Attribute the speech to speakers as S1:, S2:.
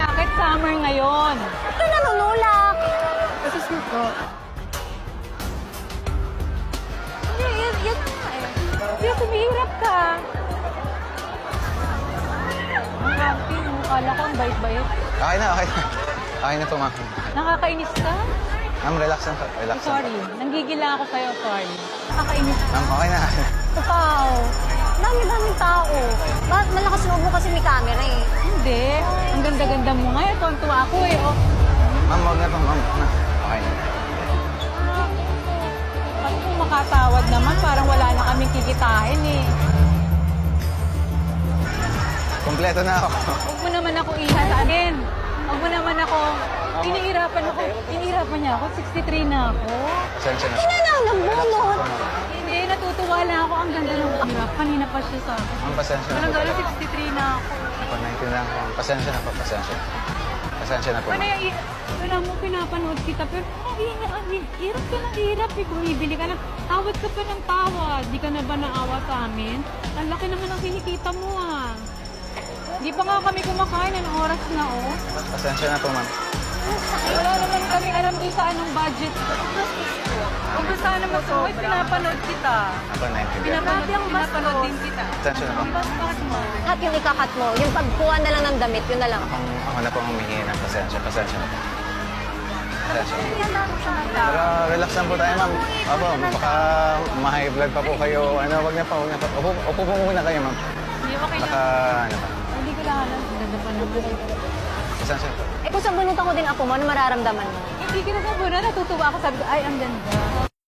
S1: Bakit summer ngayon?
S2: Ito nanunulak.
S1: Kasi suko.
S2: Hindi, yan nga eh.
S1: Hindi, sumihirap ka. Ang happy mo. Kala ko ang bait-bait.
S3: Okay na, okay na. Okay na po, ma'am.
S1: Nakakainis ka?
S3: Ma'am, relax lang po. Relax lang
S1: Sorry. Nanggigila ako sa'yo. Sorry. Nakakainis
S3: po.
S1: ka.
S3: Ma'am, okay na.
S2: Ikaw. Dami-daming tao. Bakit malakas loob mo kasi may camera eh?
S1: Hindi. Ang ganda-ganda mo nga. Tontuwa ako eh. Oh.
S3: Ma'am, huwag na po, ma'am. Okay na.
S1: Ano kung makatawad naman, parang wala na kaming kikitain eh.
S3: Kompleto na ako.
S1: Huwag mo naman ako iha sa akin. Huwag mo naman ako. Inihirapan ako. Inihirapan niya ako. 63 na ako.
S3: Pasensya na.
S2: Hindi lang nabunot.
S1: Hindi, natutuwa lang ako. Ang ganda ng hirap. Kanina pa siya sa akin.
S3: Ma'am, pasensya na
S1: Walang
S3: po.
S1: gala, 63 na ako.
S3: Ako, naintindihan ko. Pasensya na po, pasensya. Pasensya na po,
S1: Ano
S3: ma'am.
S1: yung, wala mo pinapanood kita, pero hirap ka ng hirap eh. Bumibili ka ng, tawad ka pa ng tawad. Di ka na ba naawa sa amin? Ang laki naman ang kinikita mo ah. Di pa nga kami kumakain, anong oras na oh.
S3: Pasensya na po, ma'am.
S1: Wala naman kami alam kung saan ang budget. Kung saan naman sa pinapanood kita.
S3: Ako, naintindihan.
S1: Pinapanood din kita.
S3: Pasensya na po.
S1: Bakit mo?
S2: At yung ikakat mo, yung pagkuha na lang ng damit, yun na lang.
S3: Ako na po ang humihingi ng pasensya. Pasensya na po. Pasensya na po. Pero relax lang po tayo, ma'am. Opo, baka ma-high blood pa po kayo. Ano, wag na po, wag na po. Upo po muna kayo, ma'am.
S1: Hindi mo
S3: Baka,
S1: kailangan.
S3: ano pa.
S1: Hindi ko lang alam. Ganda pa naman.
S3: Pasensya na po.
S2: Eh kung sabunutan ko din ako mo, ano mararamdaman mo?
S1: Hindi ko na natutuwa ako. Sabi ko, ay, ang ganda.